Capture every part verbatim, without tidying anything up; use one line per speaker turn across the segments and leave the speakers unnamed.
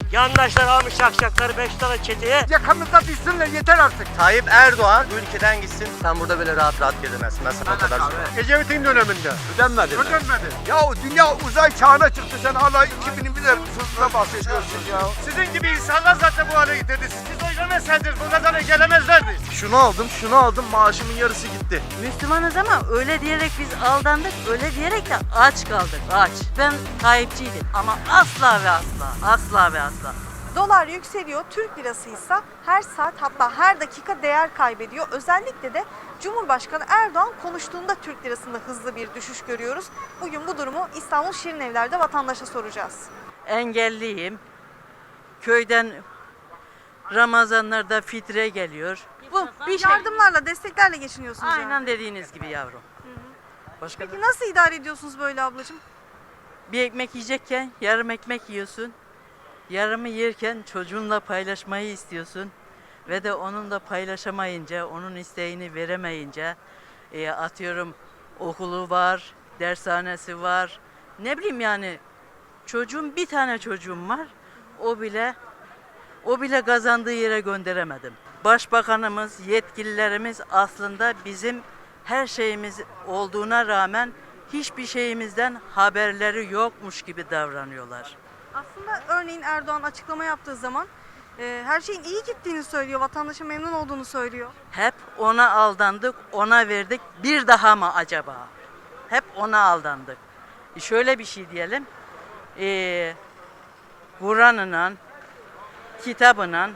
Yandaşlar almış şakşakları beş tane çeteye.
Yakamızda düşsünler yeter artık.
Tayyip Erdoğan bu ülkeden gitsin. Sen burada böyle rahat rahat gezemezsin. Ben sana o kadar söyleyeyim.
Ecevit'in döneminde.
Ödenmedi mi?
Ödenmedi. Ya dünya uzay çağına çıktı, sen hala iki binler sözüne bahsediyorsun ya. Sizin gibi insanlar zaten bu hale getirdi. Siz oynameseydiniz bu kadar gelemezlerdi.
Şunu aldım, şunu aldım, maaşımın yarısı gitti.
Müslümanız ama öyle diyerek biz aldandık, öyle diyerek de aç kaldık, aç. Ben Tayyipçiydim ama asla ve asla, asla ve asla.
Dolar yükseliyor, Türk lirası ise her saat hatta her dakika değer kaybediyor. Özellikle de Cumhurbaşkanı Erdoğan konuştuğunda Türk lirasında hızlı bir düşüş görüyoruz. Bugün bu durumu İstanbul Şirinevler'de vatandaşa soracağız.
Engelliyim. Köyden Ramazanlarda fitre geliyor. Bu bir şey.
Yardımlarla, desteklerle geçiniyorsunuz yani.
Aynen dediğiniz gibi yavrum. Başka
Peki nasıl idare ediyorsunuz böyle ablacığım?
bir ekmek yiyecekken yarım ekmek yiyorsun. Yarımı yerken çocuğunla paylaşmayı istiyorsun. Ve de onunla paylaşamayınca, onun isteğini veremeyince e, atıyorum okulu var, dershanesi var. Ne bileyim yani çocuğum bir tane çocuğum var. O bile o bile kazandığı yere gönderemedim. Başbakanımız, yetkililerimiz aslında bizim her şeyimiz olduğuna rağmen hiçbir şeyimizden haberleri yokmuş gibi davranıyorlar.
Aslında örneğin Erdoğan açıklama yaptığı zaman e, her şeyin iyi gittiğini söylüyor, vatandaşa memnun olduğunu söylüyor.
Hep ona aldandık, ona verdik. Bir daha mı acaba? Hep ona aldandık. E şöyle bir şey diyelim. E, Kur'an'la, kitabıyla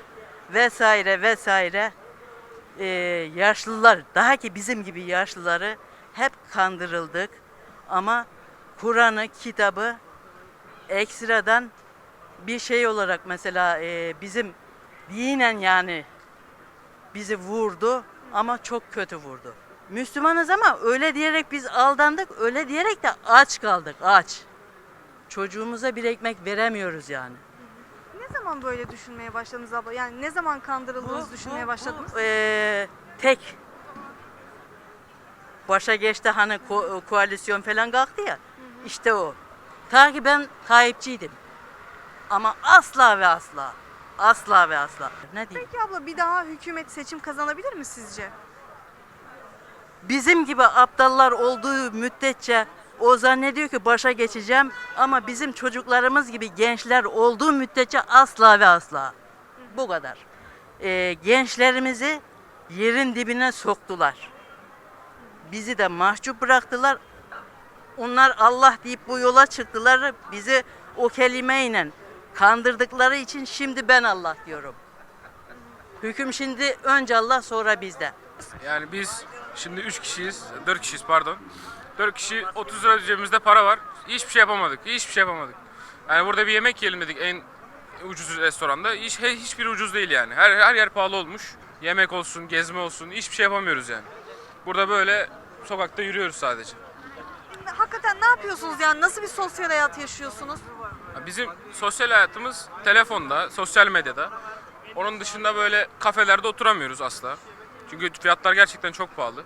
vesaire vesaire e, yaşlılar, daha ki bizim gibi yaşlıları hep kandırıldık. Ama Kur'an'ı, kitabı ekstradan bir şey olarak mesela e, bizim dinen yani bizi vurdu ama çok kötü vurdu. Müslümanız ama öyle diyerek biz aldandık, öyle diyerek de aç kaldık, aç. Çocuğumuza bir ekmek veremiyoruz yani.
Ne zaman böyle düşünmeye başladınız abla? Yani ne zaman kandırıldığınızı düşünmeye başladınız?
Bu, e, tek başa geçti hani ko- koalisyon falan kalktı ya, işte o. Ta ki ben Tayyipçiydim. Ama asla ve asla, asla ve asla. Ne diyeyim?
Peki abla bir daha hükümet seçim kazanabilir mi sizce?
Bizim gibi aptallar olduğu müddetçe o zannediyor ki başa geçeceğim ama bizim çocuklarımız gibi gençler olduğu müddetçe asla ve asla. Bu kadar. Ee, gençlerimizi yerin dibine soktular. Bizi de mahcup bıraktılar. Onlar Allah deyip bu yola çıktılar. Bizi o kelimeyle kandırdıkları için şimdi ben Allah diyorum. Hüküm şimdi önce Allah sonra bizde.
Yani biz şimdi üç kişiyiz, dört kişiyiz pardon. dört kişi otuz lira cebimizde para var. Hiçbir şey yapamadık, hiçbir şey yapamadık. Yani burada bir yemek yiyelim dedik en ucuz restoranda. Hiç, hiçbir ucuz değil yani. Her, her yer pahalı olmuş. Yemek olsun, gezme olsun, hiçbir şey yapamıyoruz yani. Burada böyle sokakta yürüyoruz sadece.
Hakikaten ne yapıyorsunuz yani? Nasıl bir sosyal hayat yaşıyorsunuz?
Bizim sosyal hayatımız telefonda, sosyal medyada. Onun dışında böyle kafelerde oturamıyoruz asla. Çünkü fiyatlar gerçekten çok pahalı.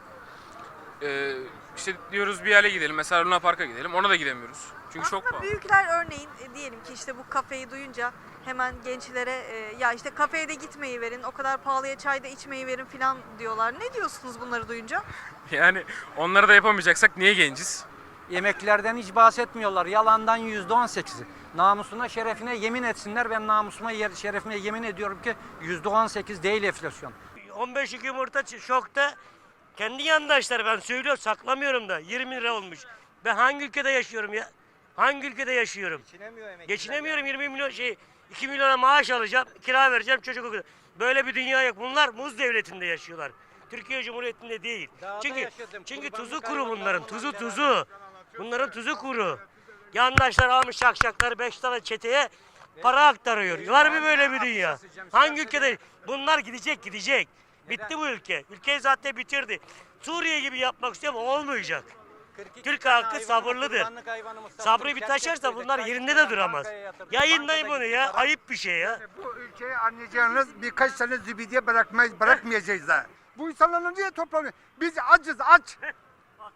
Ee, işte diyoruz bir yere gidelim, mesela Luna Park'a gidelim, ona da gidemiyoruz. Çünkü
Aslında
çok pahalı.
büyükler örneğin e, diyelim ki işte bu kafeyi duyunca hemen gençlere e, ya işte kafeye de gitmeyi verin, o kadar pahalıya çay da içmeyi verin falan diyorlar. Ne diyorsunuz bunları duyunca?
Yani onları da yapamayacaksak niye genciz?
Yemeklerden hiç bahsetmiyorlar. Yalandan yüzde on sekizi. Namusuna, şerefine yemin etsinler. Ben namusuma, yer- şerefime yemin ediyorum ki yüzde on sekiz değil enflasyon.
on beş yumurta ç- şokta. Kendi yandaşlar ben söylüyorum saklamıyorum da yirmi lira olmuş. Ben hangi ülkede yaşıyorum ya? Hangi ülkede yaşıyorum? Geçinemiyorum yirmi milyon şey iki milyona maaş alacağım, kira vereceğim çocuk okuyacak. Böyle bir dünya yok. Bunlar muz devletinde yaşıyorlar. Türkiye Cumhuriyeti'nde değil. Çünkü çünkü tuzu kuru bunların. Tuzu tuzu. Bunların tuzu kuru. Yandaşlar almış şakşakları beş tane çeteye para aktarıyor. Var mı böyle bir dünya? Hangi ülkede? Bunlar gidecek gidecek. Bitti bu ülke. Ülkeyi zaten bitirdi. Suriye gibi yapmak istiyorum olmayacak. Türk halkı sabırlıdır. Sabrı bir taşarsa bunlar yerinde de duramaz. Yayınlayın bunu ya. Ayıp bir şey ya.
Bu ülkeyi anlayacağınız birkaç sene zübidiye bırakmayız, bırakmayacağız da. Bu insanların niye toplanıyor? Biz acız, aç.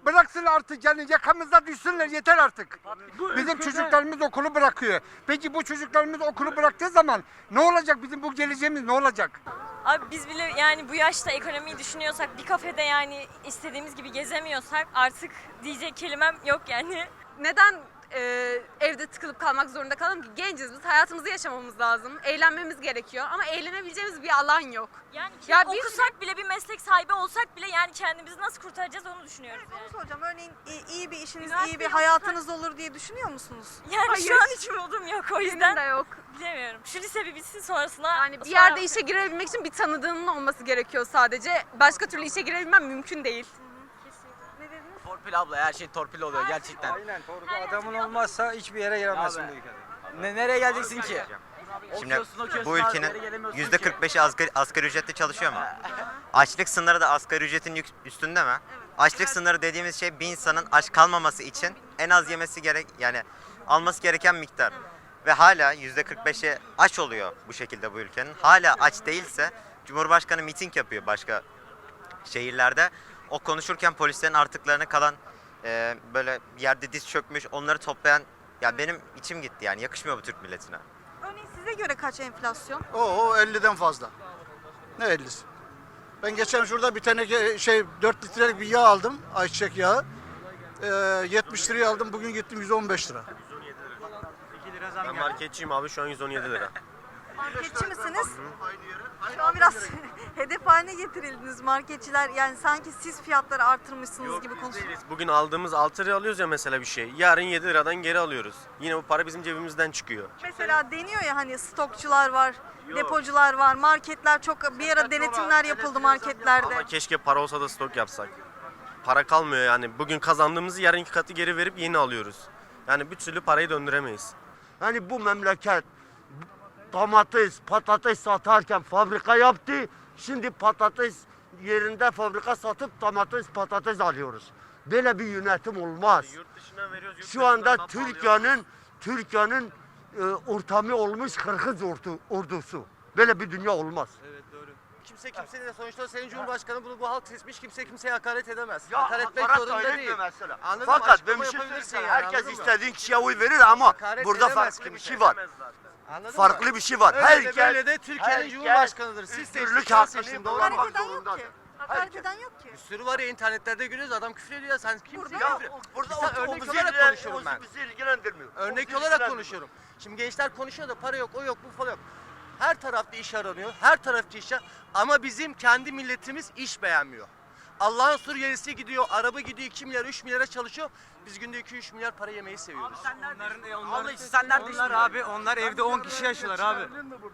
Bıraksın artık yani yakamızda düşsünler yeter artık. Bizim çocuklarımız okulu bırakıyor. Peki bu çocuklarımız okulu bıraktığı zaman ne olacak? Bizim bu geleceğimiz ne olacak?
Abi biz bile yani bu yaşta ekonomiyi düşünüyorsak, bir kafede yani istediğimiz gibi gezemiyorsak artık diyecek kelimem yok yani.
Neden e, evde tıkılıp kalmak zorunda kalalım ki? Genciz biz, hayatımızı yaşamamız lazım, eğlenmemiz gerekiyor ama eğlenebileceğimiz bir alan yok.
Yani ki
Ya bir
okusak bile, bir meslek sahibi olsak bile yani kendimizi nasıl kurtaracağız onu düşünüyoruz
Onu
yani.
soracağım. Örneğin iyi, iyi bir işiniz,
Üniversite
iyi bir
yok.
hayatınız olur diye düşünüyor musunuz?
Yani
Hayır.
şu an hiç umudum yok o
Benim
yüzden
de yok.
bilemiyorum. Şu lise bir bitsin sonrasına.
Yani bir
sonra-
yerde işe girebilmek için bir tanıdığının olması gerekiyor sadece. Başka türlü işe girebilmem mümkün değil.
Ne dediniz?
Torpil abla, her şey torpil oluyor gerçekten.
Aynen doğru. Adamın olmazsa hiçbir yere giremezsin bu ülkede.
Ne, nereye geleceksin ki?
Şimdi bu ülkenin yüzde kırk beşi asgari, asgari ücretle çalışıyor mu? Açlık sınırı da asgari ücretin yük- üstünde mi? Açlık sınırı dediğimiz şey bir insanın aç kalmaması için en az yemesi gerek yani alması gereken miktar. Ve hala yüzde kırk beşi aç oluyor bu şekilde bu ülkenin. Hala aç değilse Cumhurbaşkanı miting yapıyor başka şehirlerde. O konuşurken polislerin artıklarına kalan e, böyle bir yerde diz çökmüş onları toplayan ya benim içim gitti yani yakışmıyor bu Türk milletine.
Örneğin size göre kaç enflasyon?
O elliden fazla. Ne ellisi? Ben geçen şurada bir tane ge- şey dört litrelik bir yağ aldım. Ayçiçek yağı. Ee, yetmiş liraya aldım. Bugün gittim yüz on beş lira.
Ben marketçiyim abi, şu an yüz on yedi lira.
Marketçi misiniz? Şu an biraz hedef haline getirildiniz marketçiler. Yani sanki siz fiyatları artırmışsınız gibi konuşuyorsunuz.
Bugün aldığımız altı lira alıyoruz ya mesela bir şey. Yarın yedi liradan geri alıyoruz. Yine bu para bizim cebimizden çıkıyor.
Mesela deniyor ya hani stokçular var, depocular var, marketler çok bir ara denetimler yapıldı marketlerde.
Ama keşke para olsa da stok yapsak. Para kalmıyor yani. Bugün kazandığımızı yarın iki katı geri verip yeni alıyoruz. Yani bir türlü parayı döndüremeyiz.
Hani bu memleket domates, patates satarken fabrika yaptı. Şimdi patates yerinde fabrika satıp domates, patates alıyoruz. Böyle bir yönetim olmaz.
Yurt dışından veriyoruz. yurt
Şu anda
dışından pahalı
Türkiye'nin Türkiye'nin e, ortamı olmuş Kırgız ordu, ordusu. Böyle bir dünya olmaz.
Evet doğru. Kimse kimse de sonuçta senin Cumhurbaşkanı bunu bu halk seçmiş, kimse kimseye hakaret edemez.
Ya
hakaret etmek
hakaret
zorunda
öyle
değil.
diyor mesela.
Anladın mı?
Fakat
Açıklama
ben bir şey
yapabilirsin
söyleyeyim.
yani,
Herkes
anladın mı?
istediğin kişiye oy verir ama
Hakaret
burada
edemez
farklı bir
kimse.
şey var.
Anladın
Farklı
mı?
bir şey var.
Öyle de
Herkes
böyle de Türkiye'nin
herkes
Cumhurbaşkanıdır. Siz
özgürlük
seçtiniz, ben
hakkını
seçtim, doğru
kullanmak
mu?
Hakaret eden yok
zorundadır.
ki. Hakaret eden yok ki.
Bir sürü var ya, internetlerde görüyoruz, adam küfür ediyor ya, sen kimsin?
Burada
Ya,
yok.
Burada
Sen
o, o
örnek
bizi
olarak
ilgilen-
konuşuyorum
o
ben.
bizi ilgilendirmiyor. O
Örnek
bizi
olarak
ilgilendirmiyor.
konuşuyorum. Şimdi gençler konuşuyor da para yok, o yok, bu falan yok. Her tarafta iş aranıyor, her tarafta iş ama bizim kendi milletimiz iş beğenmiyor. Allah'ın Suriyelisi gidiyor, araba gidiyor iki milyar, üç milyara çalışıyor. Biz günde iki üç milyar para yemeyi seviyoruz.
Onlar, sen nerede onlar abi, onlar evde on kişi yaşıyorlar abi.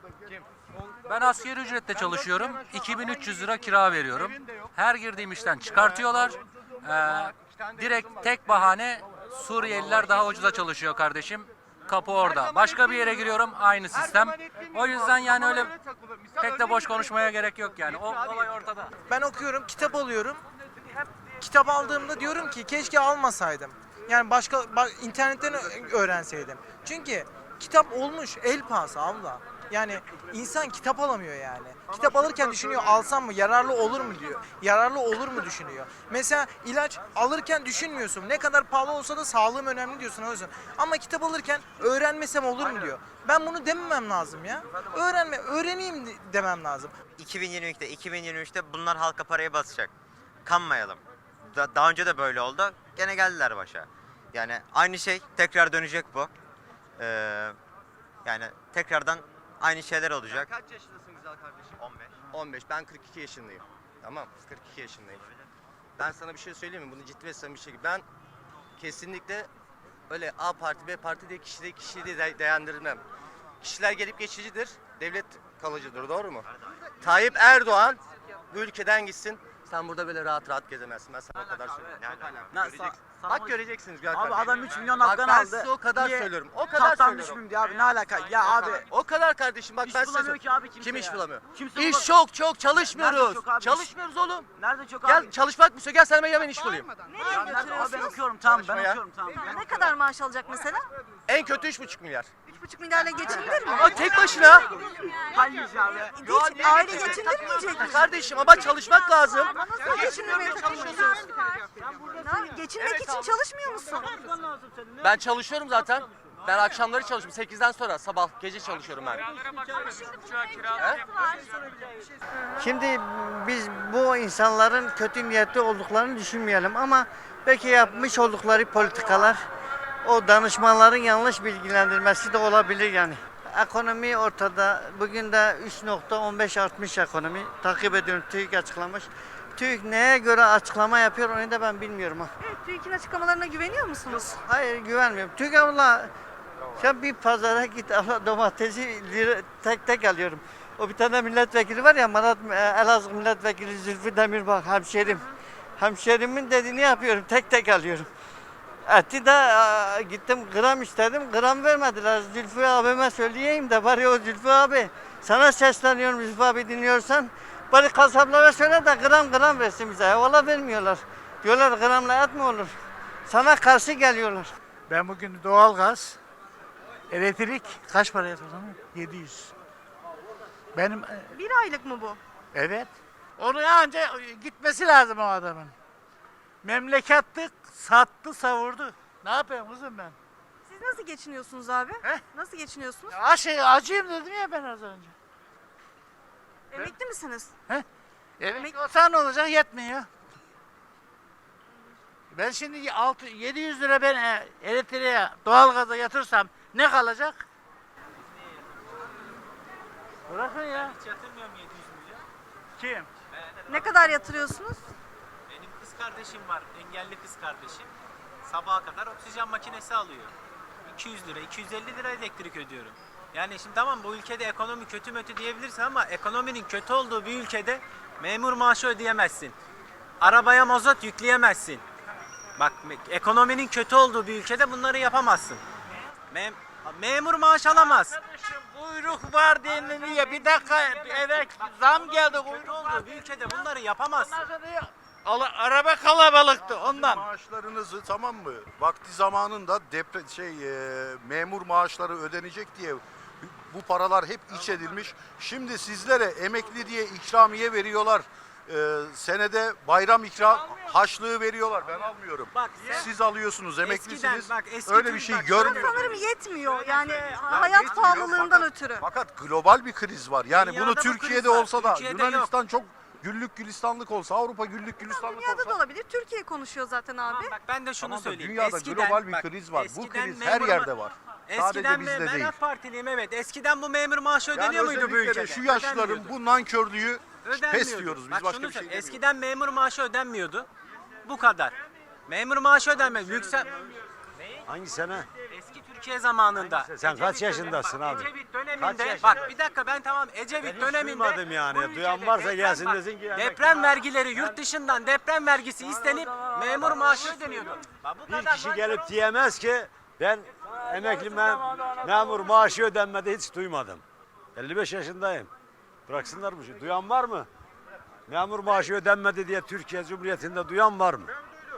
Ben asgari ücretle çalışıyorum. iki bin üç yüz lira kira veriyorum. Her girdiğim işten çıkartıyorlar. Ee, direkt tek bahane Suriyeliler daha ucuza çalışıyor kardeşim. Kapı orada. Başka bir yere giriyorum aynı sistem. O yüzden yani öyle pek de boş konuşmaya gerek yok yani. O olay ortada.
Ben okuyorum, kitap alıyorum. Kitap aldığımda diyorum ki keşke almasaydım. Yani başka ba- internetten ö- öğrenseydim. Çünkü kitap olmuş el pahası abla. Yani insan kitap alamıyor yani. Kitap alırken düşünüyor, alsam mı, yararlı olur mu diyor. Yararlı olur mu düşünüyor. Mesela ilaç alırken düşünmüyorsun. Ne kadar pahalı olsa da sağlığım önemli diyorsun o yüzden. Ama kitap alırken öğrenmesem olur mu diyor. Ben bunu dememem lazım ya. Öğrenme, öğreneyim de- demem lazım.
iki bin yirmi ikide, iki bin yirmi üçte bunlar halka paraya basacak. Kanmayalım. Da- daha önce de böyle oldu. Gene geldiler başa. Yani aynı şey tekrar dönecek bu. Ee, yani tekrardan aynı şeyler olacak.
Kaç yaşındasın güzel kardeşim?
on beş.
on beş. Ben kırk iki yaşındayım. Tamam, kırk iki yaşındayım. Ben sana bir şey söyleyeyim mi? Bunu ciddi ve samimi bir şekilde. Ben kesinlikle öyle A parti, B parti diye kişiyi, kişiyi de de- değerlendirmem. Kişiler gelip geçicidir, devlet kalıcıdır, doğru mu? Tayyip Erdoğan bu ülkeden gitsin. Sen burada böyle rahat rahat gezemezsin. Ben sana o kadar söylüyorum.
Ne-
Göreceksin. Bak göreceksin güzel
Abi
kardeşim.
adam üç milyon
Bak
hakkını
ben
aldı.
size o kadar
Niye?
söylüyorum. O kadar
Tahttan
söylüyorum.
düşmeyeyim diye abi, ne alaka? Ya abi.
O kadar kardeşim, bak
İş
ben size
bulamıyor ki abi kimse
Kim iş
ya.
bulamıyor?
Kimse
İş
bulamıyor.
çok çok
Nerede
çalışmıyoruz.
çok abi iş?
Çalışmıyoruz oğlum.
Nerede çok
Gel
abi?
çalışmak mı istiyor? Gel sana ben hemen iş bulayım.
Nereye
Abi ben
götürüyorsunuz?
okuyorum tamam, ben
Çalışma ya.
okuyorum tamam. Ben
Ne kadar maaş alacak mesela?
En kötü üç buçuk milyar.
buçuk milyarla geçinilir mi?
Ama tek başına.
Hiç aile geçindirmeyecek mi?
Kardeşim ama çalışmak lazım.
Ama nasıl geçindirmeye çalışıyorsun? Ne- Geçinmek için çalışmıyor musun?
Ben çalışıyorum zaten. Ben akşamları çalışıyorum. sekizden sonra sabah gece çalışıyorum ben.
Şimdi biz bu insanların kötü niyetli olduklarını düşünmeyelim ama belki yapmış oldukları politikalar o danışmanların yanlış bilgilendirmesi de olabilir yani. Ekonomi ortada. Bugün de üç nokta on beş artmış ekonomi. Takip ediyorum. TÜİK açıklamış. TÜİK neye göre açıklama yapıyor onu da ben bilmiyorum ha.
Evet, TÜİK'in açıklamalarına güveniyor musunuz?
Hayır güvenmiyorum. TÜİK abla sen bir pazara git abla domatesi lira, tek tek alıyorum. O bir tane milletvekili var ya Malat Elazığ milletvekili Zülfü Demirbağ hemşerim. Hemşerimin dediğini yapıyorum. Tek tek alıyorum. Eti de a, gittim gram istedim. Gram vermediler. Zülfü abime söyleyeyim de bari o Zülfü abi. Sana sesleniyorum Zülfü abi dinliyorsan. Bari kasaplara söyle de gram gram versin bize. Valla vermiyorlar. Diyorlar gramla et mi olur? Sana karşı geliyorlar.
Ben bugün doğalgaz, elektrik kaç paraya tutulmuş? yedi yüz. Benim
Bir aylık mı bu?
evet. Onu anca gitmesi lazım o adamın. Memleketlik sattı savurdu. Ne yapayım kızım ben?
Siz nasıl geçiniyorsunuz abi?
He?
Nasıl geçiniyorsunuz?
Aşı, acıyım dedim ya ben az önce.
Emekli misiniz?
Evet. Olsa ne olacak yetmiyor. Ben şimdi altı yedi yüz lira ben e, elektriğe, doğalgaza yatırsam ne kalacak? Bırakın ya.
Hiç yatırmıyorum yedi yüz milyon.
Kim?
Ne kadar yatırıyorsunuz?
Benim kız kardeşim var, engelli kız kardeşim. Sabaha kadar oksijen makinesi alıyor. iki yüz lira, iki yüz elli lira elektrik ödüyorum. Yani şimdi tamam bu ülkede ekonomi kötü mötü diyebilirsin ama ekonominin kötü olduğu bir ülkede memur maaşı ödeyemezsin. Arabaya mazot yükleyemezsin. Bak me- ekonominin kötü olduğu bir ülkede bunları yapamazsın. Mem- memur maaş alamaz.
Arkadaşım kuyruk var deniliyor. Bir dakika evet zam geldi kuyruk var.
Olduğu bir ülkede bunları yapamazsın.
Ondan sonra diyor, "Ala- araba kalabalıktı ondan.
Maaşlarınızı tamam mı? Vakti zamanında depre şey e, memur maaşları ödenecek diye bu paralar hep iç edilmiş. Şimdi sizlere emekli diye ikramiye veriyorlar. E, senede bayram ikram harçlığı veriyorlar. Ben almıyorum.
Bak,
Siz alıyorsunuz, emeklisiniz.
Eskiden, bak, eski
Öyle
Türk-
bir şey
bak,
görmüyorsunuz.
Sanırım yetmiyor. Yani hayat
Yetmiyor,
pahalılığından
fakat-
ötürü.
Fakat global bir kriz var. Yani
Dünyada
bunu
bu
Türkiye'de
kriz var,
olsa da
Türkiye'de
Yunanistan çok güllük gülistanlık olsa, Avrupa güllük gülistanlık
Dünyada
olsa.
da olabilir. Türkiye konuşuyor zaten abi.
Tamam, bak ben de şunu
Tamam da
söyleyeyim.
dünyada
Eskiden-
global bir
bak,
kriz var. Bu
eskiden
kriz her
memur
yerde
ma-
var.
Eskiden
Sadece
me-
bizde
ben
değil.
AK Partiliyim evet. Eskiden bu memur maaşı ödeniyor
Yani
muydu bu
özellikle
ülkede?
de şu yaşlıların
Ödenmiyordu.
bu nankörlüğü pes
Ödenmiyordu.
diyoruz biz,
Bak
başka
şunu
bir şey
söyle,
demiyoruz.
eskiden memur maaşı ödenmiyordu. Bu kadar. Memur maaşı ödenmez. Yüksel...
Hangi sene?
Eski Türkiye zamanında.
Sen kaç
Ecevit
yaşındasın
dönemi-
abi?
Ecevit
Kaç
döneminde.
yaşında?
Bak bir dakika ben tamam Ecevit
Ben hiç
döneminde.
duymadım yani.
bu ülkede
Duyan varsa
deprem-
gelsin
bak,
desin ki yani-
Deprem vergileri yurt dışından deprem vergisi istenip memur maaşı ödeniyordu. Bak, bu
Bir
kadar
kişi
var.
gelip diyemez ki ben emekli mem memur maaşı ödenmedi hiç duymadım. elli beş yaşındayım. Bıraksınlar bu şeyi. Duyan var mı? Memur maaşı ödenmedi diye Türkiye Cumhuriyeti'nde duyan var mı?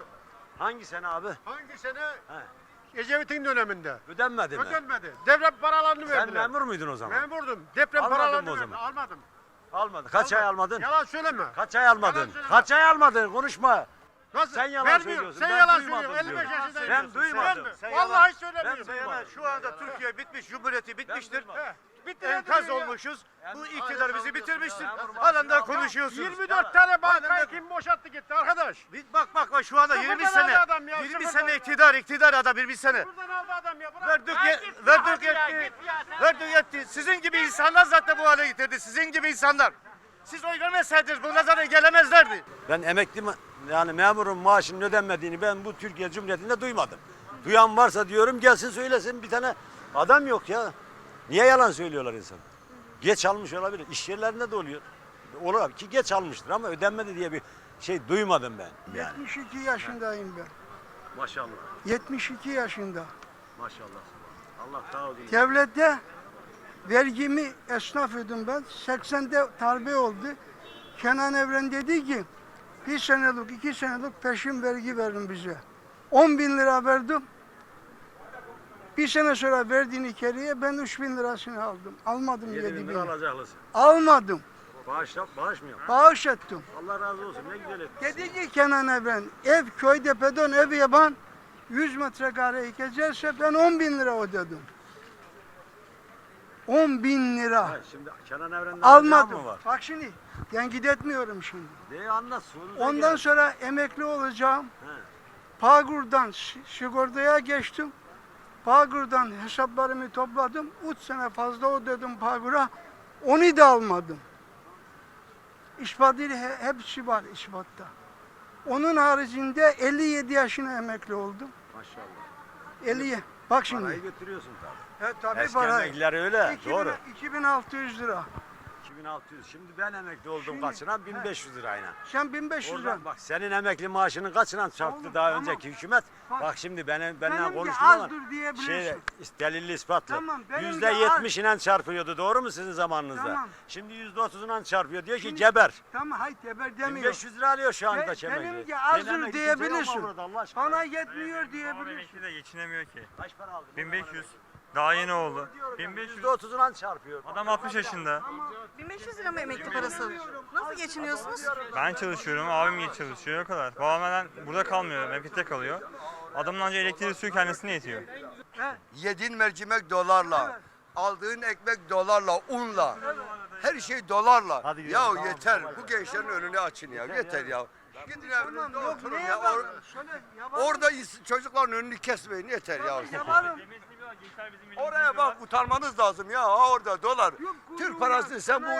Hangi sene abi?
Hangi sene? Ecevit'in döneminde.
Ödenmedi mi?
Ödenmedi. Deprem paralarını
Sen memur muydun o zaman?
Memurdum. Deprem
Almadın
paralarını
mı o
verdi.
zaman?
Almadım.
Almadın. Kaç ay almadın?
Yalan söyleme.
Kaç ay almadın?
Yalan söyleme.
Kaç ay almadın? Konuşma.
Nasıl?
Sen yalan
Vermiyorum.
söylüyorsun.
Sen
Ben
yalan
duymadım
söylüyorsun. elli beş
diyorum.
yaşındayım.
Ben
diyorsun.
duymadım.
Ben mi?
Sen
Vallahi
yalan-
söylemiyorsun.
Ben duymadım.
Şu anda Türkiye bitmiş, Cumhuriyeti bitmiştir.
Bitti
Enkaz olmuşuz. Bu iktidar bizi bitirmiştir.
Memur
Halen daha
maaşı-
konuşuyorsunuz.
yirmi dört tane
bankayı kim boşalttı gitti arkadaş?
Bak bak bak şu anda
Sıfırdan
yirmi
aldı
sene.
adam ya,
yirmi
sıfırdan.
sene iktidar iktidar adam yirmi sene.
Buradan aldı adam ya. Bırak.
Verdik
Ya
ye-
git ya,
verdik
hadi ya,
yetti.
git ya, sen-
Verdik yetti. Sizin gibi insanlar zaten bu hale getirdi. Sizin gibi insanlar. Siz oy vermeseydiniz bunlar zaten gelemezlerdi. Ben emekli ma- yani memurun maaşının ödenmediğini ben bu Türkiye Cumhuriyeti'nde duymadım. Duyan varsa diyorum gelsin söylesin, bir tane adam yok ya. Niye yalan söylüyorlar insan? Geç almış olabilir. İş yerlerinde de oluyor. Olur ki geç almıştır ama ödenmedi diye bir şey duymadım ben. Yani.
yetmiş iki yaşındayım ben.
Maşallah.
yetmiş iki yaşında.
Maşallah. Allah sağ olsun.
Devlette vergimi esnaf ödüm ben. seksende darbe oldu. Kenan Evren dedi ki bir senelik, iki senelik peşin vergi verin bize. on bin lira verdim. Bir sene sonra verdiğini keriye ben üç bin lirasını aldım. Almadım
yedi
yedi
bin
bin.
lira alacaklısın.
Almadım.
Bağış yap, bağış mı yap?
Bağış ettim.
Allah razı olsun. Ne güzel etmişsin.
Dedi ki Kenan Evren, ev köyde pedon ev yapan yüz metrekare geçerse ben on bin lira ödedim. on bin lira.
Ha, şimdi Kenan Evren'de alacağın
Almadım.
mı var?
Bak şimdi, tenkit etmiyorum şimdi.
Neyi anlat? sonunda
Ondan
gel.
sonra emekli olacağım.
He.
Pagur'dan si- sigortaya geçtim. Pagur'dan hesaplarımı topladım. üç sene fazla ödedim Pagur'a. Onu da almadım. İspatıyla he- hepsi var ispatta. Onun haricinde elli yedi yaşına emekli oldum.
Maşallah.
elli. Bak şimdi.
Parayı götürüyorsun tabii.
He, tabii
Eski
para.
emekliler öyle.
iki bin
Doğru.
iki bin altı yüz lira.
iki bin altı yüz. Şimdi ben emekli oldum
Şimdi-
kaçınan bin beş yüz lirayla.
Sen bin beş yüz lira.
Oradan bak senin emekli maaşının kaçınan çarptı
Oğlum,
daha
tamam.
önceki hükümet.
Bak,
Bak, şimdi benim benimle
benimki
konuştun ama
azdır diyebilirsin.
şey delilli ispatlı.
Tamam, benimki
Yüzde yetmiş ile çarpıyordu doğru mu sizin zamanınızda?
Tamam.
Şimdi yüzde otuzundan çarpıyor diyor ki
Şimdi-
geber.
Tamam hayır teber
bin
demiyor.
beş yüz lira alıyor şu anda
Be-
çemekli.
benimki azdır
Benim emekli
diyebilirsin.
kimse yok mu burada Allah aşkına?
Bana yetmiyor diyebilirsin.
de geçinemiyor ki.
Kaç para aldın?
bin beş yüz. Daha yeni oldu. bin beş yüz.
yüzde otuzundan çarpıyor.
Adam altmış yaşında.
bin beş yüz lira mı emekli parası? Nasıl geçiniyorsunuz?
Ben çalışıyorum, abim iyi çalışıyor o kadar. Babam hemen burada kalmıyor, memlekette kalıyor. Adamın ancak elektriği suyu kendisine yetiyor.
Yediğin mercimek dolarla, aldığın ekmek dolarla, unla, her şey dolarla. Ya yeter, bu gençlerin önünü açın ya, yeter ya. Gidin evinizde oturun ya. Or- orada is- çocukların önünü kesmeyin, yeter ya. Oraya bak, utanmanız lazım ya, ha orada dolar. Türk parası sen bu...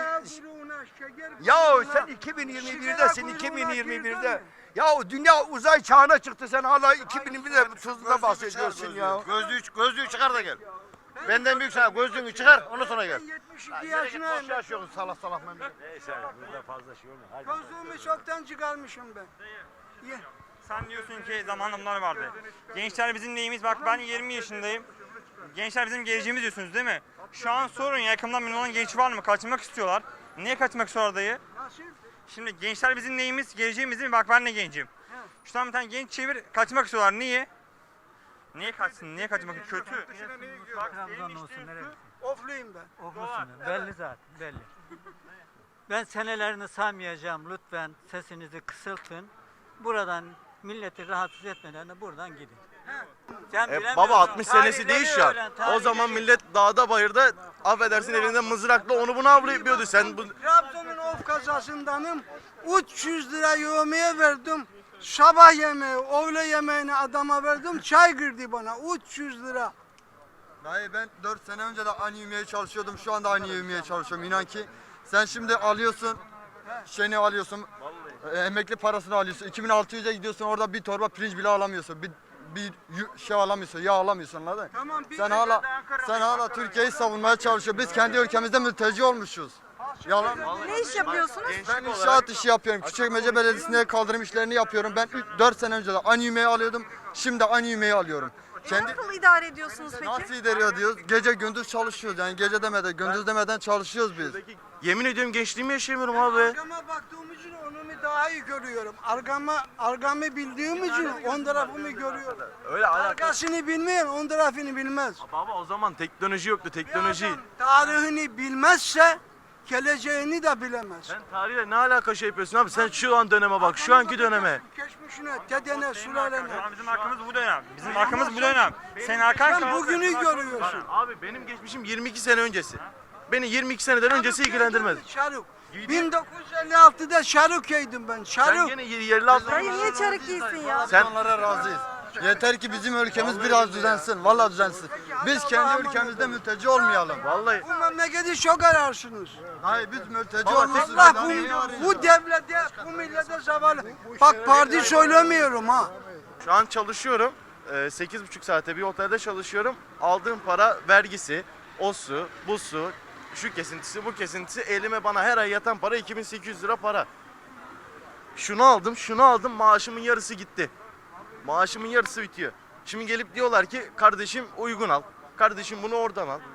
Ya sen iki bin yirmi birdesin, iki bin yirmi birde. Ya dünya uzay çağına çıktı, sen hala iki bin yirmi birde tuzunda bahsediyorsun ya.
Gözlüğü, gözlüğü çıkar da gel. Benden büyük sana gözlüğünü çıkar ondan sonra gel.
yetmiş iki yaşına
Boş yaşıyorsun salak salak memleket.
Neyse burada fazla şey olmuyor. Hadi.
Gözlüğümü çoktan çıkarmışım ben. Ye.
Sen diyorsun ki zamanında bunlar vardı. Gençler bizim neyimiz? Bak ben yirmi yaşındayım. Gençler bizim geleceğimiz diyorsunuz değil mi? Şu an sorun yakından memnun olan genç var mı? Kaçmak istiyorlar. Niye kaçmak istiyorlar dayı?
Nasıl?
Şimdi gençler bizim neyimiz? Geleceğimiz değil mi? Bak ben de gencim. Şu an bir tane genç çevir kaçmak istiyorlar. Niye? Niye kaçsın? Niye kaçmak? Kötü.
Trabzon olsun nereye?
Ofluyum ben.
Oflusun. Belli zaten belli. Ben senelerini saymayacağım. Lütfen sesinizi kısıltın. Buradan milleti rahatsız etmeden de buradan gidin. Sen
E,
bilemiyorsun.
baba altmış senesi
Tarihleri
değiş ya.
öğren,
O
tarihleri.
zaman millet dağda bayırda affedersin elinde mızrakla onu bunu avlayıp sen bu
Trabzon'un of kazasındanım. üç yüz lira yemeğe verdim. Sabah yemeği, öğle yemeğini adama verdim. Çay girdi bana. üç yüz lira.
Dayı ben dört sene önce de aynı yemeye çalışıyordum. Şu anda aynı yemeye çalışıyorum. İnan ki sen şimdi alıyorsun, şeyini alıyorsun, e, emekli parasını alıyorsun. iki bin altı yüze gidiyorsun orada bir torba pirinç bile alamıyorsun. Bir, bir yu- şey alamıyorsun, yağ alamıyorsun anladın?
Tamam, biz
Sen
de
hala
Ankara'da
sen hala Türkiye'yi savunmaya çalışıyorsun. Biz kendi ülkemizde mülteci olmuşuz. Yalan.
Ne iş yapıyorsunuz?
Ben inşaat işi yapıyorum. Küçükmece Belediyesi'nde kaldırım işlerini yapıyorum. Ben dört sene önce de aynı yemeği alıyordum. Şimdi aynı yemeği alıyorum. Kendi
Nasıl idare ediyorsunuz peki?
nasıl idare ediyoruz? Gece gündüz çalışıyoruz. Yani gece demeden, gündüz demeden çalışıyoruz biz.
yemin ediyorum gençliğimi yaşayamıyorum abi.
Arkama baktığım için onu daha iyi görüyorum. Arkama, arkamı bildiğim için on tarafımı görüyorum.
Öyle alakası.
Arkasını bilmeyen on tarafını bilmez.
Baba o zaman teknoloji yoktu teknoloji.
Tarihini bilmezse geleceğini de bilemez.
Sen tarihle ne alaka şey yapıyorsun abi? Sen şu an döneme bak, şu anki döneme.
Geçmişine, dedene, sülalene.
Şu an bizim hakkımız bu dönem. Bizim hakkımız bu dönem. Senin arkan
Sen
kaldı.
bugünü görüyorsun.
Abi benim geçmişim yirmi iki sene öncesi. Beni yirmi iki seneden öncesi ilgilendirmez.
Şaruk. bin dokuz yüz elli altıda şaruk yaydım ben.
Sen
Şaruk.
gene yerli altı.
Dayı niye çarık giysin ya?
Sen onlara razıyız. Yeter ki bizim ülkemiz biraz düzensin. Vallahi düzensin. Biz kendi ülkemizde mülteci olmayalım.
Vallahi.
Bu memleketi çok ararsınız.
Hayır biz mülteci
Baba,
olmuşuz.
Allah
Daha neyi
bu,
arayacağız?
bu devlete, bu millete zavallı. Bak parti söylemiyorum ha.
Şu an çalışıyorum. Ee, sekiz buçuk saate bir otelde çalışıyorum. Aldığım para vergisi, o su, bu su, şu kesintisi, bu kesintisi elime bana her ay yatan para iki bin sekiz yüz lira para. Şunu aldım, şunu aldım, maaşımın yarısı gitti. Maaşımın yarısı bitiyor. Şimdi gelip diyorlar ki kardeşim uygun al. Kardeşim bunu oradan al.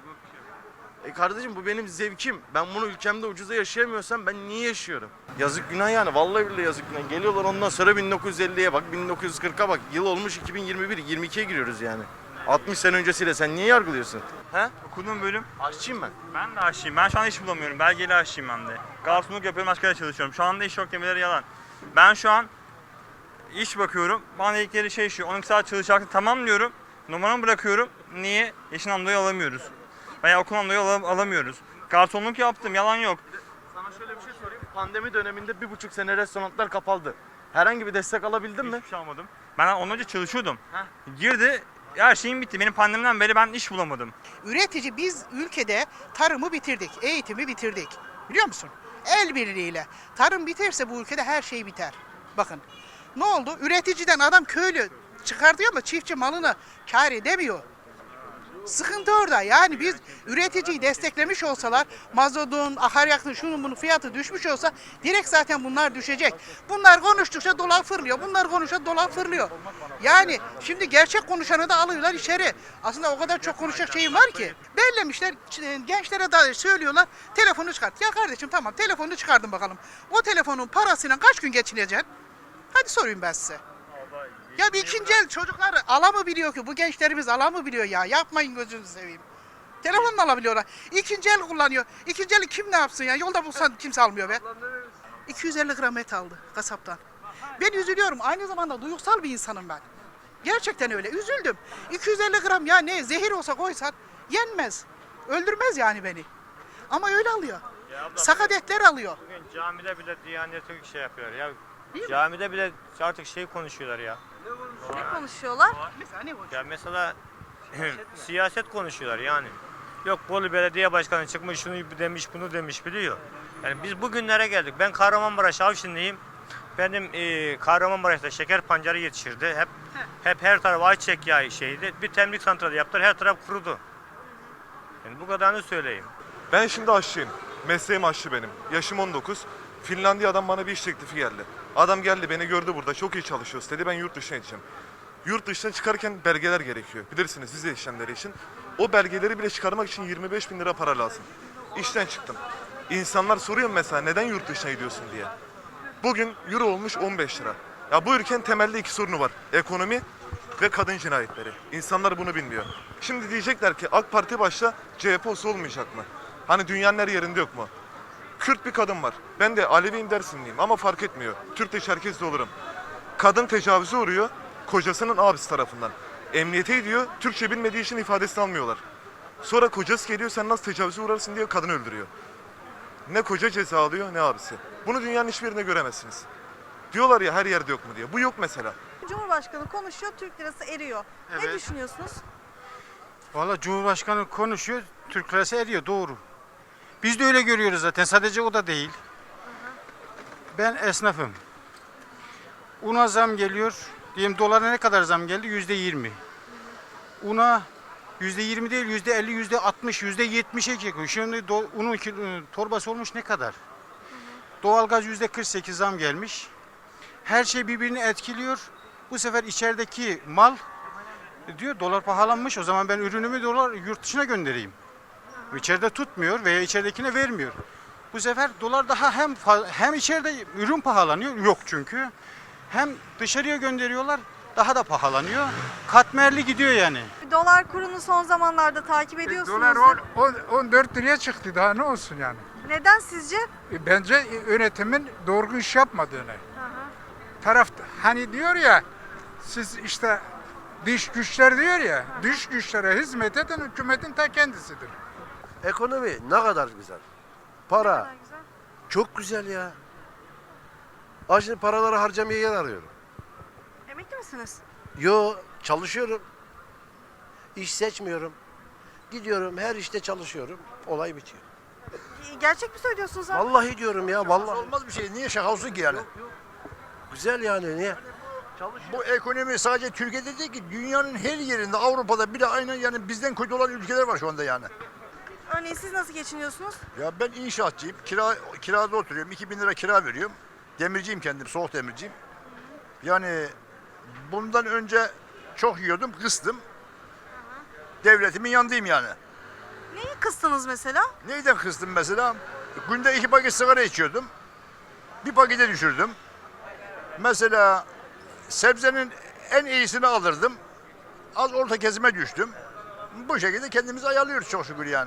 E kardeşim bu benim zevkim. Ben bunu ülkemde ucuza yaşayamıyorsam ben niye yaşıyorum? Yazık günah yani. Vallahi billahi yazık günah. Geliyorlar ondan sonra bin dokuz yüz elliye bak, bin dokuz yüz kırka bak. Yıl olmuş iki bin yirmi bir, yirmi ikiye giriyoruz yani. altmış sene öncesiyle sen niye yargılıyorsun?
He? Okuduğum bölüm.
Aşçıyım ben.
Ben de aşçıyım. Ben şu anda iş bulamıyorum. Belgeli aşçıyım ben de. Garsonluk yapıyorum, başka yerde çalışıyorum. Şu anda iş yok demeleri yalan. Ben şu an iş bakıyorum. Bana dedikleri şey şu. on iki saat çalışacaksın. Tamam diyorum. Numaramı bırakıyorum. Niye? Yaşından dolayı alamıyoruz. Veya okuldan dolayı alam- alamıyoruz. Garsonluk yaptım. Yalan yok.
Sana şöyle bir şey sorayım. Pandemi döneminde bir buçuk sene restoranlar kapaldı. Herhangi bir destek alabildin mi?
Hiçbir şey almadım. Ben ondan önce çalışıyordum. Girdi. Her şeyim bitti. Benim pandemiden beri ben iş bulamadım. Üretici biz ülkede tarımı bitirdik, eğitimi bitirdik. Biliyor musun? El birliğiyle. Tarım biterse bu ülkede her şey biter. Bakın ne oldu? Üreticiden adam köylü çıkartıyor ama çiftçi malını kâr edemiyor. Sıkıntı orada. Yani biz üreticiyi desteklemiş olsalar, mazotun, akaryakıtın, şunun bunun fiyatı düşmüş olsa direkt zaten bunlar düşecek. Bunlar konuştukça dolar fırlıyor. Bunlar konuştukça dolar fırlıyor. Yani şimdi gerçek konuşanı da alıyorlar içeri. Aslında o kadar çok konuşacak şeyim var ki. Bellemişler, gençlere da söylüyorlar, telefonu çıkart. Ya kardeşim tamam, telefonunu çıkardın bakalım. O telefonun parasıyla kaç gün geçineceksin? Hadi sorayım ben size. Ya bir ikinci el çocuklar ala mı biliyor ki? Bu gençlerimiz ala mı biliyor ya? Yapmayın gözünüzü seveyim. Telefonla alabiliyorlar. İkinci el kullanıyor. İkinci eli kim ne yapsın ya? Yolda bulsan kimse almıyor be. iki yüz elli gram et aldı kasaptan. Ben üzülüyorum. Aynı zamanda duygusal bir insanım ben. Gerçekten öyle. Üzüldüm. iki yüz elli gram ya ne? Zehir olsa koysan yenmez. Öldürmez yani beni. Ama öyle alıyor. Sakat etler alıyor.
Bugün camide bile Diyanet'e şey yapıyor ya. Camide bile artık şey konuşuyorlar ya.
Ne konuşuyorlar?
Mesela ne konuşuyorlar?
Ya mesela siyaset konuşuyorlar yani. Yok Bolu Belediye Başkanı çıkmış şunu demiş bunu demiş biliyor. Yani biz bugünlere geldik. Ben Kahramanmaraş Avşinliyim. Benim e, Kahramanmaraş'ta şeker pancarı yetişirdi. Hep hep her taraf ayçiçek yağı şeydi. Bir temlik santralı yaptılar. Her taraf kurudu. Yani bu kadarını söyleyeyim.
Ben şimdi aşçıyım. Mesleğim aşçı benim. Yaşım on dokuz. Finlandiya'dan bana bir iş teklifi geldi. Adam geldi beni gördü burada çok iyi çalışıyoruz dedi ben yurt dışına gideceğim. Yurt dışına çıkarken belgeler gerekiyor. Bilirsiniz vize işlemleri için. O belgeleri bile çıkarmak için yirmi beş bin lira para lazım. İşten çıktım. İnsanlar soruyor mesela neden yurt dışına gidiyorsun diye. Bugün euro olmuş on beş lira. Ya bu ülkenin temelde iki sorunu var. Ekonomi ve kadın cinayetleri. İnsanlar bunu bilmiyor. Şimdi diyecekler ki AK Parti başta C H P olsa olmayacak mı? Hani dünyanın her yerinde yok mu? Kürt bir kadın var. Ben de Aleviyim Dersimliyim ama fark etmiyor. Türk de Çerkez de olurum. Kadın tecavüze uğruyor kocasının abisi tarafından. Emniyete gidiyor, Türkçe bilmediği için ifadesini almıyorlar. Sonra kocası geliyor sen nasıl tecavüze uğrarsın diye kadını öldürüyor. Ne koca ceza alıyor ne abisi. Bunu dünyanın hiçbir yerinde göremezsiniz. Diyorlar ya her yerde yok mu diye. Bu yok mesela.
Cumhurbaşkanı konuşuyor, Türk lirası eriyor. Ne
Evet.
düşünüyorsunuz?
Valla Cumhurbaşkanı konuşuyor, Türk lirası eriyor, doğru. Biz de öyle görüyoruz zaten, sadece o da değil. Ben esnafım. Una zam geliyor, diyelim dolara ne kadar zam geldi? Yüzde yirmi. Una yüzde yirmi değil, yüzde elli, yüzde altmış, yüzde yetmişe çıkıyor. Şimdi do- unun kilo- torbası olmuş ne kadar? Doğalgaz yüzde kırk sekiz zam gelmiş. Her şey birbirini etkiliyor. Bu sefer içerideki mal diyor dolar pahalanmış, o zaman ben ürünümü dolar yurt dışına göndereyim. İçeride tutmuyor veya içeridekine vermiyor. Bu sefer dolar daha hem fa- hem içeride ürün pahalanıyor, yok çünkü. Hem dışarıya gönderiyorlar, daha da pahalanıyor. Katmerli gidiyor yani.
Dolar kurunu son zamanlarda takip ediyorsunuz.
Dolar on- on- on dört liraya çıktı daha ne olsun yani.
Neden sizce?
E, Bence yönetimin doğru iş yapmadığını. Taraf hani diyor ya siz işte dış güçler diyor ya dış güçlere hizmet eden hükümetin ta kendisidir.
Ekonomi ne kadar güzel. Para. Çok güzel ya. Aa şimdi paraları harcamaya yer arıyorum.
Emekli misiniz?
Yo çalışıyorum. İş seçmiyorum. Gidiyorum her işte çalışıyorum. Olay bitiyor.
Gerçek mi söylüyorsunuz abi?
Vallahi diyorum ya vallahi.
Olmaz bir şey. Niye şaka olsun ki yani?
Güzel yani niye?
Bu ekonomi sadece Türkiye'de değil ki dünyanın her yerinde Avrupa'da bile aynen yani bizden kötü olan ülkeler var şu anda yani.
Örneğin siz nasıl geçiniyorsunuz?
Ya ben inşaatçıyım. Kira, kirada oturuyorum. iki bin lira kira veriyorum. Demirciyim kendim. Soğuk demirciyim. Yani bundan önce çok yiyordum. Kıstım. Devletimin yanındayım yani.
Neyi kıstınız mesela?
Neyden kıstım mesela? Günde iki paket sigara içiyordum. Bir pakete düşürdüm. Mesela sebzenin en iyisini alırdım. az orta kesime düştüm. Bu şekilde kendimizi ayarlıyoruz çok şükür yani.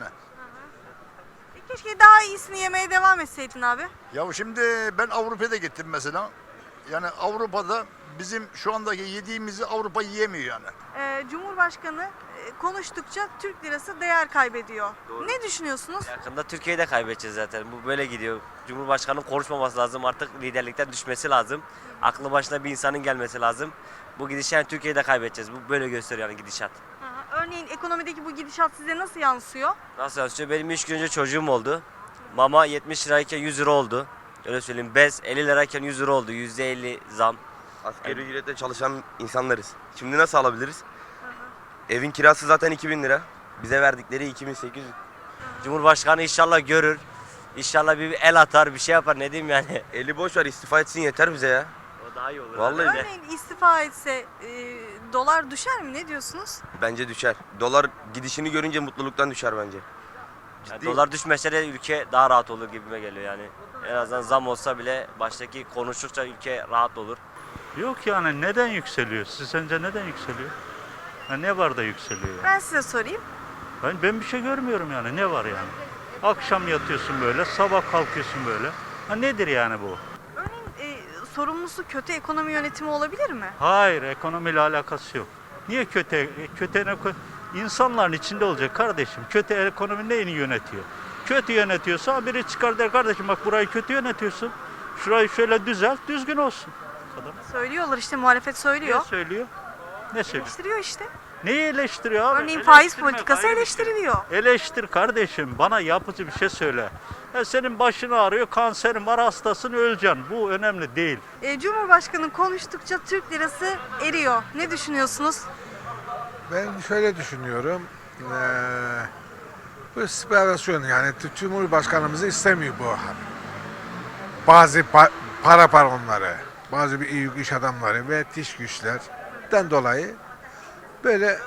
E, keşke daha iyisini yemeye devam etseydin abi.
Ya şimdi ben Avrupa'da gittim mesela. Yani Avrupa'da bizim şu andaki yediğimizi Avrupa yiyemiyor yani.
Ee, Cumhurbaşkanı e, konuştukça Türk lirası değer kaybediyor. Ne düşünüyorsunuz?
Yakında Türkiye'yi de kaybedeceğiz zaten. Bu böyle gidiyor. Cumhurbaşkanının konuşmaması lazım. Artık liderlikten düşmesi lazım. Aklı başına bir insanın gelmesi lazım. Bu gidişat yani Türkiye'yi de kaybedeceğiz. Bu böyle gösteriyor yani gidişat.
Aha, örneğin ekonomideki bu gidişat size nasıl yansıyor?
Nasıl yansıyor? Benim üç gün önce çocuğum oldu. Mama yetmiş lirayken yüz lira oldu. Öyle söyleyeyim. Bez elli lirayken yüz lira oldu. yüzde elli zam.
Asgari ücretle çalışan insanlarız. Şimdi nasıl alabiliriz? Evin kirası zaten iki bin lira. Bize verdikleri iki bin sekiz yüz.
Cumhurbaşkanı inşallah görür. İnşallah bir el atar, bir şey yapar. Ne diyeyim yani?
Eli boş ver, istifa etsin yeter bize ya.
O daha iyi olur.
Vallahi de.
Örneğin istifa etse e, dolar düşer mi? Ne diyorsunuz?
Bence düşer. Dolar gidişini görünce mutluluktan düşer bence.
Yani
Ciddi.
dolar düşmese de ülke daha rahat olur gibime geliyor yani. En azından zam olsa bile baştaki konuştukça ülke rahat olur.
Yok yani neden yükseliyor? Siz sence neden yükseliyor? Ha, ne var da yükseliyor? Yani?
Ben size sorayım.
Ben, ben bir şey görmüyorum yani. Ne var yani? Akşam yatıyorsun böyle, sabah kalkıyorsun böyle. Ha, nedir yani bu?
Örneğin e, sorumlusu kötü ekonomi yönetimi olabilir mi?
Hayır, ekonomiyle alakası yok. Niye kötü? Kötü eko- insanların içinde olacak kardeşim. Kötü ekonomi neyini yönetiyor? Kötü yönetiyorsa biri çıkar der kardeşim bak burayı kötü yönetiyorsun. Şurayı şöyle düzelt, düzgün olsun.
Söylüyorlar işte, muhalefet söylüyor.
Ne söylüyor? Ne söylüyor?
Eleştiriyor işte.
Neyi eleştiriyor abi?
Örneğin faiz
Eleştirme,
politikası
ayrı bir
eleştiriliyor.
şey. Eleştir kardeşim. Bana yapıcı bir şey söyle. Ya senin başını ağrıyor, kanserin var, hastasın, öleceksin. Bu önemli değil.
E, Cumhurbaşkanı konuştukça Türk lirası eriyor. Ne düşünüyorsunuz?
Ben şöyle düşünüyorum. Ee, bu spekülasyon yani Cumhurbaşkanımızı istemiyor bu. Bazı pa- para paronları, bazı büyük iş adamları ve dış güçlerden dolayı böyle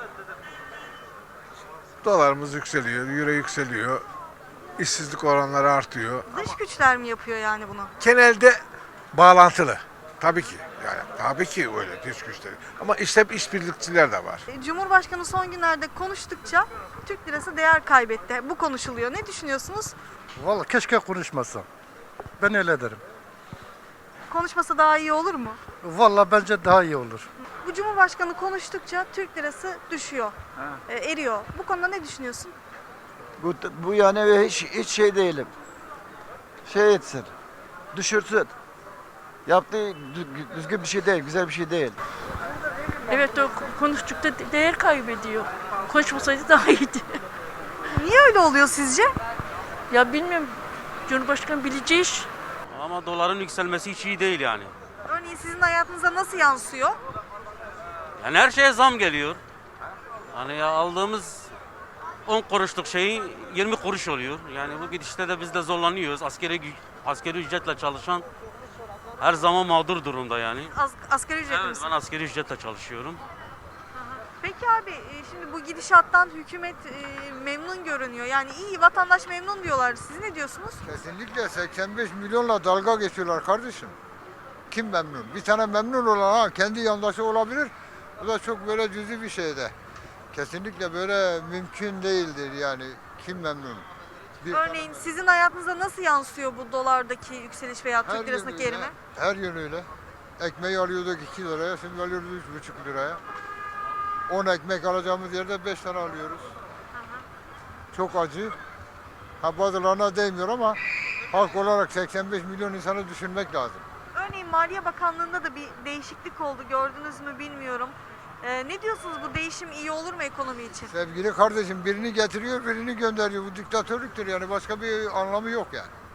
dolarımız yükseliyor, euro yükseliyor, işsizlik oranları artıyor.
Dış güçler mi yapıyor yani bunu?
Genelde bağlantılı. Tabii ki. Yani tabii ki öyle dış güçleri. Ama işte işbirlikçiler de var.
E, Cumhurbaşkanı son günlerde konuştukça Türk lirası değer kaybetti. Bu konuşuluyor. Ne düşünüyorsunuz?
Vallahi keşke konuşmasa. Ben öyle derim.
Konuşmasa daha iyi olur mu?
Vallahi bence daha iyi olur.
Bu Cumhurbaşkanı konuştukça Türk lirası düşüyor, e, eriyor. Bu konuda ne düşünüyorsun?
Bu, bu yani hiç, hiç şey değilim. Şey etsin, düşürsün. Yaptığı düzgün bir şey değil, güzel bir şey değil.
Evet o konuştukça değer kaybediyor. Konuşmasaydı daha iyiydi.
Niye öyle oluyor sizce?
Ya bilmiyorum. Cumhurbaşkanı bileceği iş.
Ama doların yükselmesi hiç iyi değil yani.
Örneğin sizin hayatınıza nasıl yansıyor?
Yani her şeye zam geliyor. Hani ya aldığımız on kuruşluk şeyi yirmi kuruş oluyor. Yani bu gidişte de biz de zorlanıyoruz. Askeri askeri ücretle çalışan her zaman mağdur durumda yani.
Az, asgari ücretli
Evet,
misin?
ben askeri ücretle çalışıyorum.
Peki abi e, şimdi bu gidişattan hükümet e, memnun görünüyor. Yani iyi, vatandaş memnun diyorlar. Siz ne diyorsunuz?
Kesinlikle seksen beş milyonla dalga geçiyorlar kardeşim. Kim memnun? Bir tane memnun olan ha kendi yandaşı olabilir. Bu da çok böyle cüzi bir şeyde. Kesinlikle böyle mümkün değildir yani. Kim memnun? Bir
Örneğin sizin hayatınıza nasıl yansıyor bu dolardaki yükseliş veya
Her
Türk lirasındaki
yönüyle,
erime?
Her yönüyle. Ekmeği alıyorduk iki liraya, şimdi alıyoruz üç buçuk liraya. on ekmek alacağımız yerde beş tane alıyoruz. Çok acı. Ha bazılarına değmiyor ama halk olarak seksen beş milyon insanı düşünmek lazım.
Örneğin Maliye Bakanlığı'nda da bir değişiklik oldu. Gördünüz mü bilmiyorum. Ee, ne diyorsunuz, bu değişim iyi olur mu ekonomi için?
Sevgili kardeşim birini getiriyor, birini gönderiyor. Bu diktatörlüktür yani başka bir anlamı yok yani.